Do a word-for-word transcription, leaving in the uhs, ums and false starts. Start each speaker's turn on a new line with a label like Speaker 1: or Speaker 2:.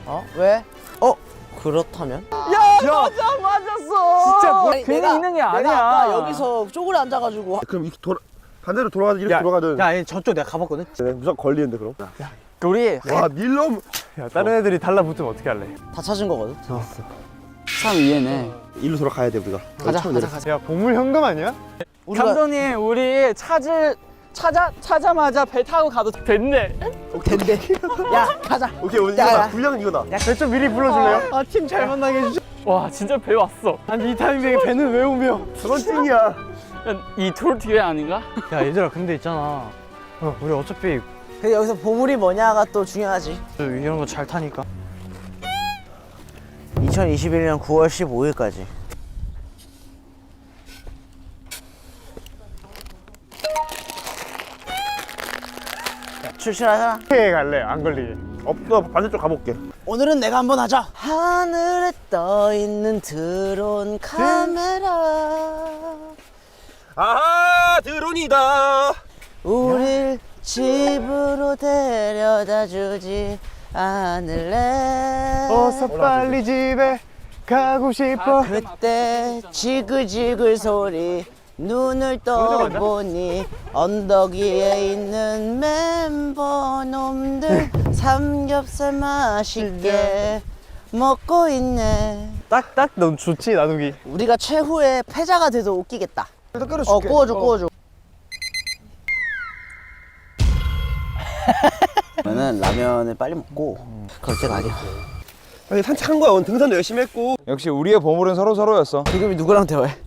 Speaker 1: 어? 왜? 어? 그렇다면?
Speaker 2: 야, 맞아, 맞았어.
Speaker 3: 진짜 뭐
Speaker 1: 아니,
Speaker 3: 괜히
Speaker 1: 내가-
Speaker 3: 있는 게 아니야.
Speaker 1: 내가 아까 여기서 쪼그려 앉아가지고
Speaker 2: 그럼 이렇게 돌아, 반대로 돌아가든 이렇게
Speaker 3: 야,
Speaker 2: 돌아가든.
Speaker 3: 야, 얘 저쪽 내가 가봤거든.
Speaker 2: 네, 무조건 걸리는데 그럼.
Speaker 3: 우리
Speaker 2: 와 밀럼.
Speaker 4: 야, 다른 애들이 달라붙으면 어떻게 할래?
Speaker 1: 다 찾은 거거든?
Speaker 3: 참 이해네.
Speaker 2: 일로 돌아가야 돼 우리가.
Speaker 3: 가자,
Speaker 2: 처음
Speaker 3: 가자,
Speaker 2: 내려.
Speaker 3: 가자.
Speaker 4: 야, 보물 현금 아니야?
Speaker 1: 우리가
Speaker 3: 감독님, 우리 찾을 찾아 찾자마자 배 타고 가도 됐네.
Speaker 1: 된대. 야, 가자.
Speaker 2: 오케이 오늘
Speaker 1: 야,
Speaker 2: 이거다.
Speaker 1: 야.
Speaker 2: 분량 이거다.
Speaker 4: 배 좀 미리 불러줄래요?
Speaker 3: 아, 팀 잘 만나게 해주죠. 와, 진짜 배 왔어.
Speaker 4: 아니, 이 타이밍에 배는 왜 오며?
Speaker 2: 그건 찡이야.
Speaker 3: 이 토르 뒤에 아닌가?
Speaker 4: 야, 얘들아, 근데 있잖아. 어, 우리 어차피
Speaker 1: 근데 여기서 보물이 뭐냐가 또 중요하지.
Speaker 4: 이런 거 잘 타니까.
Speaker 1: 이천이십일 년 구월 십오일까지. 출실하자.
Speaker 4: 어떻게 갈래? 안 걸리게.
Speaker 2: 없어 반대쪽 가볼게.
Speaker 1: 오늘은 내가 한번 하자. 하늘에 떠 있는 드론 카메라.
Speaker 2: 아하 드론이다.
Speaker 1: 우릴 집으로 데려다 주지 않을래.
Speaker 4: 어서 빨리 집에 가고 싶어.
Speaker 1: 그때 지글지글 소리 눈을 떠보니 언덕 위에 있는 멤버 놈들 삼겹살 맛있게 먹고 있네.
Speaker 4: 딱딱 넌 좋지, 나누기.
Speaker 1: 우리가 최후의 패자가 돼도 웃기겠다. 어,
Speaker 2: 끓여줄게.
Speaker 1: 구워줘 구워줘. 그러면은 라면을 빨리 먹고 그럴 때가 아니야.
Speaker 2: 아니 산책한 거야. 오늘 등산도 열심히 했고.
Speaker 5: 역시 우리의 보물은 서로 서로였어.
Speaker 1: 지금이 누구랑 대화해?